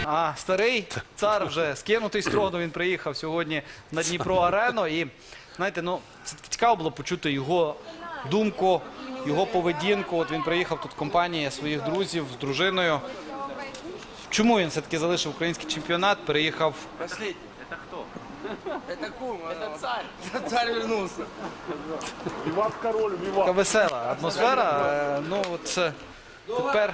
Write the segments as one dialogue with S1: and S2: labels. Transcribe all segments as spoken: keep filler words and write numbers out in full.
S1: А старий цар вже скинутий з трону, він приїхав сьогодні на Дніпро-арену. І, знаєте, ну, це цікаво було почути його думку, його поведінку. От він приїхав тут в компанії своїх друзів з дружиною. Чому він все-таки залишив український чемпіонат, переїхав...
S2: Последний. Это кто? Это кум. Это царь. Царь вернулся.
S3: Виват король, виват.
S1: Така весела атмосфера. Е, Ну, от е, тепер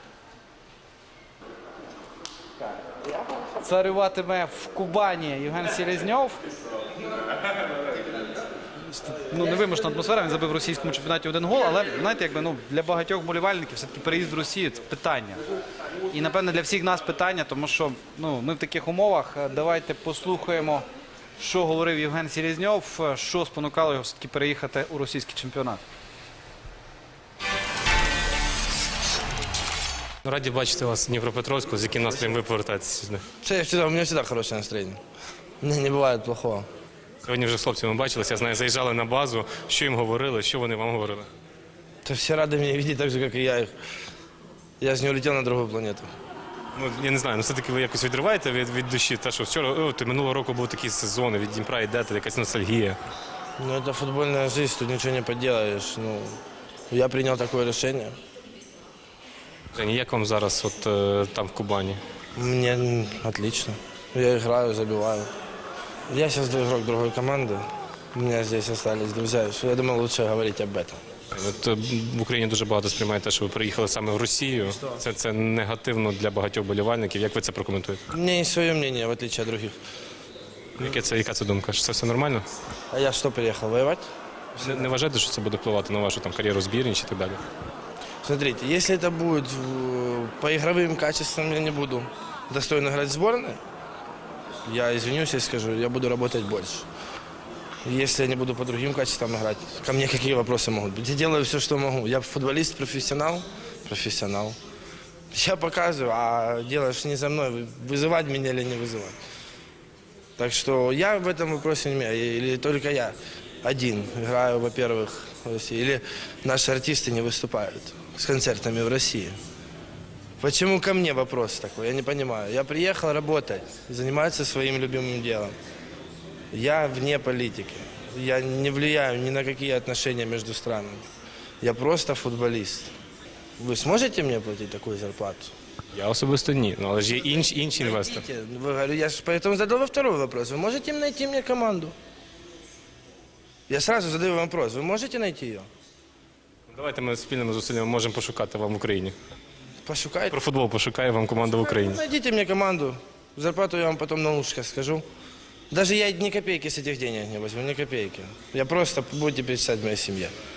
S1: царюватиме в Кубані Євген Селезньов. Ну, невимушена атмосфера, він забив в російському чемпіонаті один гол, але, знаєте, якби, ну, для багатьох болівальників все-таки переїзд в Росію – це питання. І, напевне, для всіх нас питання, тому що, ну, ми в таких умовах. Давайте послухаємо, що говорив Євген Селезньов, що спонукало його все-таки переїхати у російський чемпіонат.
S4: Раді бачити вас в Дніпропетровську, з яким настроєм ви повертаєтеся сюди.
S2: Я всегда, у меня всегда хорошее настроение. У меня не бывает плохого.
S4: Сьогодні вже з хлопцями бачилися, я знаю, заїжджали на базу. Що їм говорили, що вони вам говорили?
S2: То все рады меня видеть так же, как и я их. Я же не улетел на другую планету.
S4: Ну, я не знаю, ну все-таки ви якось відриваєте від, від душі, те, що вчора, о, ти минулого року був такий сезон, від Дніпра йдете, якась ностальгія.
S2: Ну, это футбольная жизнь, тут ничего не поделаешь. Ну, я принял такое решение.
S4: Жень, як вам зараз от, е, там в Кубані?
S2: Мне м, отлично. Я играю, забиваю. Я сейчас игрок другой команды. У меня здесь остались друзья. Я думаю, лучше говорить об этом.
S4: От, е, в Україні дуже багато сприймають те, що ви приїхали саме в Росію. Це, це негативно для багатьох болівальників. Як ви це прокоментуєте?
S2: У меня есть свое мнение, в отличие от других.
S4: Яке це, яка це думка? Що це все нормально?
S2: А я что, приехал воевать?
S4: Не, не вважаєте, що це буде впливати на вашу там, кар'єру збірні чи так далі?
S2: Смотрите, если это будет э, по игровым качествам, я не буду достойно играть в сборной, я извинюсь и скажу, я буду работать больше. Если я не буду по другим качествам играть, ко мне какие вопросы могут быть? Я делаю все, что могу. Я футболист, профессионал, профессионал. Я показываю, а делаешь не за мной, вызывать меня или не вызывать. Так что я в этом вопросе не имею. Или только я один играю, во-первых, в России, или наши артисты не выступают с концертами в России. Почему ко мне вопрос такой? Я не понимаю. Я приехал работать, заниматься своим любимым делом. Я вне политики. Я не влияю ни на какие отношения между странами. Я просто футболист. Вы сможете мне платить такую зарплату?
S4: Я особисто ні, ну, але ж є інші, інші інвестори.
S2: Вы, говорю, я же поэтому задал во второй вопрос. Вы можете найти мне команду? Я сразу задаю вам вопрос. Вы можете найти ее?
S4: Давайте ми спільними зусиллями можемо пошукати вам в Україні.
S2: Пошукайте.
S4: Про футбол пошукає вам команду в Україні.
S2: Найдите мне команду. Зарплату я вам потом на ушко скажу. Даже я ни копейки с этих денег не возьму, ни копейки. Я просто будете перечислять моей семье.